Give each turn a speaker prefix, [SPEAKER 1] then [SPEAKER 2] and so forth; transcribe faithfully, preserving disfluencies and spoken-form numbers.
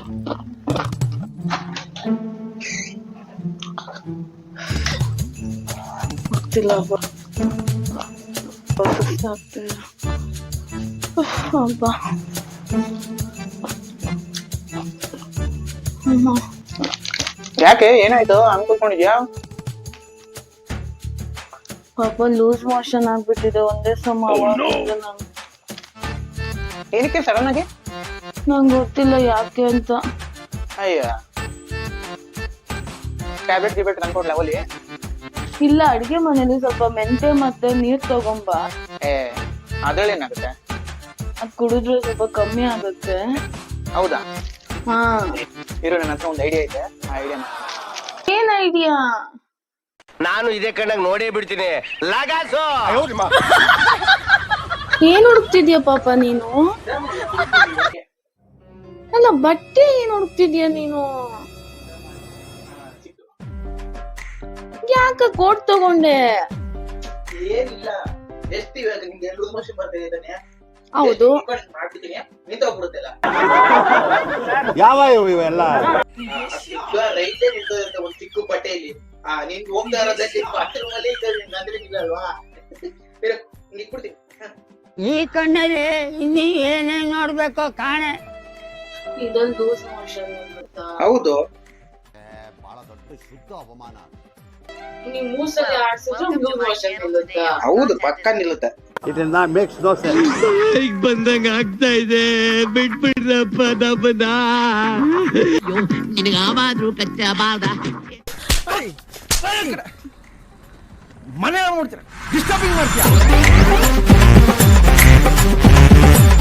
[SPEAKER 1] ಗೊತ್ತಿಲ್ಲ ಸುಸ್ತಾಗ್ತಿದೆ. ಅಬ್ಬಾ ಅಮ್ಮ
[SPEAKER 2] ಯಾಕೆ ಏನಾಯ್ತು ಅನ್ಕೊಳ್ಕೊಂಡಿದ್ಯಾ?
[SPEAKER 1] ಪಾಪ ಲೂಸ್ ಮೋಷನ್ ಆಗ್ಬಿಟ್ಟಿದೆ ಒಂದೇ ಸಮ. ನಾನು
[SPEAKER 2] ಏನಕ್ಕೆ ಸಡನ್ ಆಗಿ?
[SPEAKER 1] ನಂಗೆ ಗೊತ್ತಿಲ್ಲ ಯಾಕೆ ಅಂತ.
[SPEAKER 2] ಅಯ್ಯ ಟ್ಯಾಬ್ಲೆಟ್ ಗಿಬ್ಲೆಟ್ ತಂದ್ಕೊಡ್ಲ ಒಲಿ?
[SPEAKER 1] ಇಲ್ಲ, ಅಡಿಗೆ ಮನೇಲಿ ಸ್ವಲ್ಪ ಮೆಂತೆ ಮತ್ತೆ ನೀರ್ ತಗೊಂಬ.
[SPEAKER 2] ಏ ಅದ್ರಲ್ಲಿ ಏನಾಗುತ್ತೆ?
[SPEAKER 1] ಅದ್ ಕುಡಿದ್ರೆ ಸ್ವಲ್ಪ ಕಮ್ಮಿ ಆಗುತ್ತೆ.
[SPEAKER 2] ಹೌದಾ?
[SPEAKER 1] ಹಾ
[SPEAKER 2] ಇರೋ ನನ್ನ ಹತ್ರ ಒಂದು ಐಡಿಯಾ ಐತೆ, ಆ ಐಡಿಯಾ.
[SPEAKER 1] ಏನ್ ಐಡಿಯಾ?
[SPEAKER 3] ನಾನು ಇದೇ ಕಣ್ಣಾಗ ನೋಡೇ ಬಿಡ್ತೀನಿ. ಲಗಾಸು
[SPEAKER 1] ಏನ್ ಹುಡುಕ್ತಿದ್ಯಾ ಪಾಪ ನೀನು? ಅಲ್ಲ ಬಟ್ಟೆ ಏನ್ ಹುಡುಕ್ತಿದ್ಯಾ ನೀನು? ಯಾಕ ಕೋಟ್ ತಗೊಂಡೆ?
[SPEAKER 2] ಏನಿಲ್ಲ, ಎಷ್ಟು ಇವಾಗ ನಿಮ್ಗೆ ಎರಡು ವರ್ಷ ಬರ್ತಾ ಇದ್ದಾನೆ.
[SPEAKER 1] ಹೌದು,
[SPEAKER 2] ಮಾಡ್ಬಿಡ್ತೀನಿ, ನಿಂತೋಗ್ಬಿಡುತ್ತಲ್ಲ.
[SPEAKER 3] ಯಾವ ಇವೆಲ್ಲ
[SPEAKER 2] ರೈತೇ ನಿಂತೋದಂತ ಒಂದು ಚಿಕ್ಕ ಬಟ್ಟೆಯಲ್ಲಿ ನೀನ್ ಹೋಗ್ತಾ ಇರೋದಕ್ಕೆ ಬಾತ್ರೂಮಲ್ಲಿ ಅಂದ್ರೆ ನಿಲ್ಲಲ್ವಾ? ನಿಕ್ಬಿಡ್ತೀನಿ.
[SPEAKER 4] ಈ ಕಣ್ಣಲ್ಲಿ ಇನ್ನೀ ಏನೇನ್ ನೋಡ್ಬೇಕೋ ಕಾಣೆ.
[SPEAKER 1] ಇದೊಂದು ಲೂಸ್ ಮೋಷನ್ ಗೊತ್ತಾ?
[SPEAKER 2] ಹೌದು,
[SPEAKER 3] ಬಹಳ ದೊಡ್ಡ ಶುದ್ಧ ಅವಮಾನ.
[SPEAKER 1] ನೀವ್ ಮೂಸಲ್ಲಿ ಆಡ್ಸಿದ್ರೆ ಲೂಸ್ ಮೋಷನ್ ನಿಲ್ಲುತ್ತಾ?
[SPEAKER 2] ಹೌದು, ಪಕ್ಕ ನಿಲ್ಲುತ್ತೆ.
[SPEAKER 3] ಇದನ್ನ ಮೇಕ್ಸ್ ನೋ ಸೆನ್ಸ್. ಈಗ ಬಂದಂಗ ಆಗ್ತಾ ಇದೆ, ಬಿಟ್ಬಿಡ್ರಪ್ಪ ನಮ್ಮನ್ನ.
[SPEAKER 4] ನಿನಗ ಆವಾದ್ರು ಕಚ್ಚ ಬಾದ
[SPEAKER 3] ಮನೆ ನೋಡ್ತೀರ, ಡಿಸ್ಟರ್ಬಿಂಗ್ ಮಾಡ್ತೀಯ.